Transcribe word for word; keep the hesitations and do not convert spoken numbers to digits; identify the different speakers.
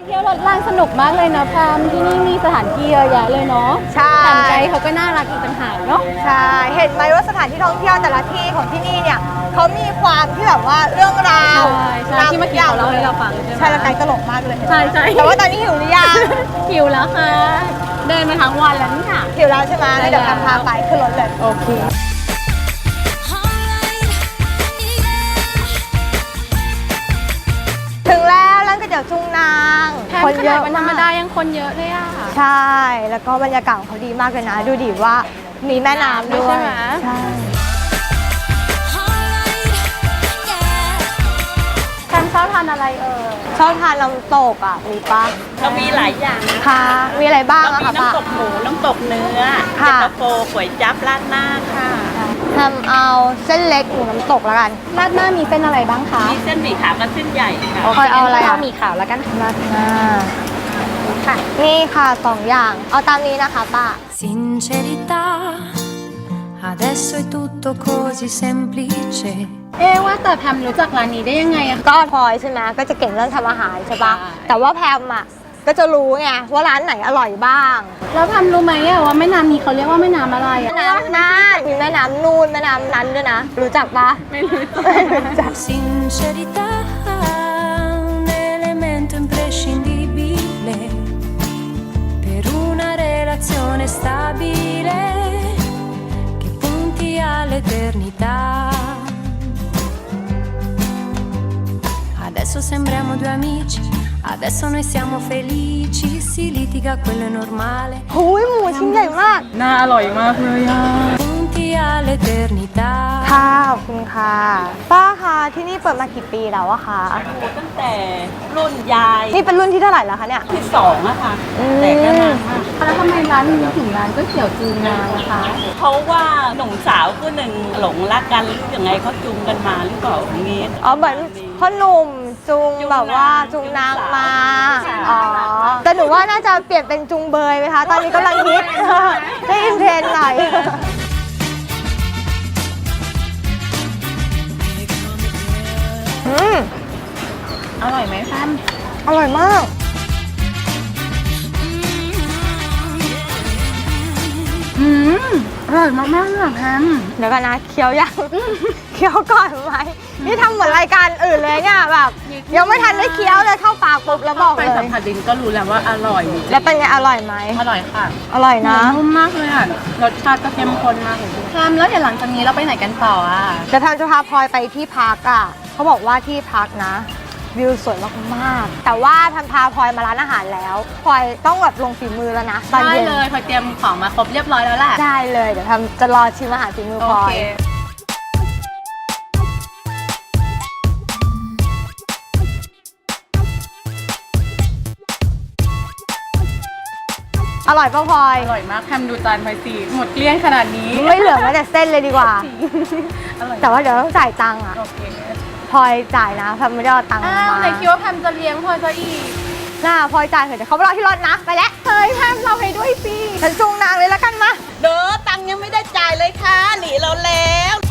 Speaker 1: เที่ยวรถรางสนุกมากเลยนะแพมที่นี่มีสถานที่เยอะแยะเลยเนาะ
Speaker 2: ใช่
Speaker 1: แต่ใจเขาก็น่ารักอีกต่างหากเนาะ
Speaker 2: ใช่เห็นไหมว่าสถานที่ท่องเที่ยวแต่ละที่ของที่นี่เนี่ยเขามีความที่แบบว่าเรื่องราว
Speaker 1: ใช่ใช่ที่เมื่อกี้เขาเล่าให้เราฟังใช่ไหม
Speaker 2: ใช่แล้วไกด์ตลกมากเลย
Speaker 1: ใช่ใช่
Speaker 2: แต่ว่าตอนนี้หิวหรือยัง
Speaker 1: หิวแล้วค่ะเดินมาทั้งวันแล้วเนี่ย
Speaker 2: หิวแล้วใช่ไหมเดี๋ยวแพมพาไปขึ้นรถเลย
Speaker 1: โอเค
Speaker 2: ถึงแล้วร้านก๋วยเตี๋ยวจุงนาง
Speaker 1: คนเยอะวันธรรมดายังคนเยอะเลยอ่ะ
Speaker 2: ใช่แล้วก็บรรยากาศเขาดีมากเลยนะดูดิว่ามีแม่น้ำด้วย
Speaker 1: ใช่ไหม
Speaker 2: ใช่
Speaker 1: แพมชอบทานอะไรเออ
Speaker 2: ชอบทานน้ำตกอ่ะมีปะ
Speaker 3: เรามีหลายอย่าง
Speaker 2: ค่ะมีอะไรบ้างอะคะป้า
Speaker 3: น้ำตกหมูน้ำตกเนื้อเย็นตาโฟก๋วยจั๊บราดหน้าค่ะ
Speaker 2: ทำเอาเส้นเล็กหมูน้ำตกแล้วกัน
Speaker 1: ราดหน้ามีเส้นอะไรบ้างคะ
Speaker 3: มีเส้นหมี่ขาวกับเส้นใหญ่ค่ะ
Speaker 2: คอยเอาอะไรอะ
Speaker 1: หมี่ขาวแล้วกัน
Speaker 2: ราดหน้าค่ะนี่ค่ะสองอย่างเอาตามนี้นะคะป้า
Speaker 4: Sincerità adesso è tutto così semplice
Speaker 1: เอ๊ว่าแต่แพมรู้จักร้านนี้ได้ยังไงอะ
Speaker 2: ก็พลอยใช่ไหมก็จะเก่งเรื่องทำอาหารใช่ปะแต่ว่าแพมอ่ะก็จะรู้ไงว่าร้านไหนอร่อยบ้าง
Speaker 1: แล้วแพมรู้ไหมอะว่าแม่น้ำนี้เขาเรียกว่าแม่น้ำอะไรอะ
Speaker 2: แม่น้ำน่านมีแม่น้ำนูนแม่น้ำนั้นด้วยนะรู้จักปะ
Speaker 1: ไม่รู้จัก
Speaker 4: Sincerità un elemento imprescindibile per una relazione stabile che punti all'eternità Adesso sembriamo due amici Adesso noi siamo felici Si litiga quello è normale
Speaker 2: โอ้ยหมูชิ้นใหญ่มาก
Speaker 1: น่าอร่อยมากเลยอ่ะ
Speaker 4: Punti all'eternità
Speaker 2: ค่ะขอบคุณค่ะป้าคะที่นี่เปิดมากี่ปีแล้วอะคะ
Speaker 3: ตั้งแต่รุ่นยาย
Speaker 2: นี่เป็นรุ่นที่เท่าไหร่แล้วคะเนี่ย
Speaker 3: ที่สองอะค่ะแต่ก็นานมาก
Speaker 1: แล้วทำไมร้านนี้ถึงร้านก๋วยเตี๋ยวจูงนางนะคะ
Speaker 3: เพราะว่าหนุ่มสาวคู่หนึ่งหลงรักกันหรือยังไงเขาจูงกันมาหรือเปล่าอย่างนี้
Speaker 2: อ๋อเหมือนพ่อหนุ่มจูงแบบว่าจูงนางมาอ๋อแต่หนูว่าน่าจะเปลี่ยนเป็นจูงเบยไหมคะตอนนี้กำลังฮิตให้อินเทรนด์หน่อยอืม
Speaker 1: อร่อยไหมแพม
Speaker 2: อร่อยมาก
Speaker 1: อืมอร่อยมากมากเลยแพม
Speaker 2: เดี๋ยวกันนะเคี้ยวยังเคี้ยวก่อนไหมนี่ทำเหมือนรายการอื่นเลยเนี่ยแบบยังไม่ทันได้เคี้ยวเลยเข้าปากปุ๊บแล้วบอกเลย
Speaker 1: ไปสัมผัสดินก็รู้แล้วว่าอร่อย
Speaker 2: แล้วเป็นไงอร่อยไหม
Speaker 1: อร่อยค่ะ
Speaker 2: อร่อยนะ
Speaker 1: นุ่มมากเลยอ่ะรสชาติก็เข้มข้นมากเลยแพมแล้วเดี๋ยวหลังจากนี้เราไปไหนกันต่ออ่ะ
Speaker 2: จะทำจะพาพลอยไปที่พักอ่ะเขาบอกว่าที่พักนะวิวสวยมากๆแต่ว่าทันพาพลอยมาร้านอาหารแล้วพลอยต้องแบบลงฝีมือแล้วนะตอน
Speaker 1: เย็
Speaker 2: น
Speaker 1: ได้เลยพลอยเตรียมของมาครบเรียบร้อยแล้วแหละ
Speaker 2: ได้เลยเดี๋ยวทำจะรอชิมอาหารฝีมือพลอยอร่อยป่ะพลอย
Speaker 1: อร่อยมากแพมดูจานพลอยสิหมดเกลี้ยงขนาดนี้
Speaker 2: ไม่เหลือแม้แต่เส้นเลยดีกว่าแต่ว่าเดี๋ยวต้องจ่ายตังค์อ่ะพลอยจ่ายนะแพมไม่ได้เอาตังค์มา
Speaker 1: ไหนคิดว่าแพมจะเลี้ยงพลอยซะอีก
Speaker 2: น่าพลอยจ่ายเถอะเดี๋ยวเขาไปรอที่รถนะไปแล้ว
Speaker 1: เฮ้ยแพมเราให้ด้วยสิ
Speaker 2: ฉันจูงนางเลยแล้วกันมา
Speaker 3: เด้อตังค์ยังไม่ได้จ่ายเลยค่ะหนีเราแล้ว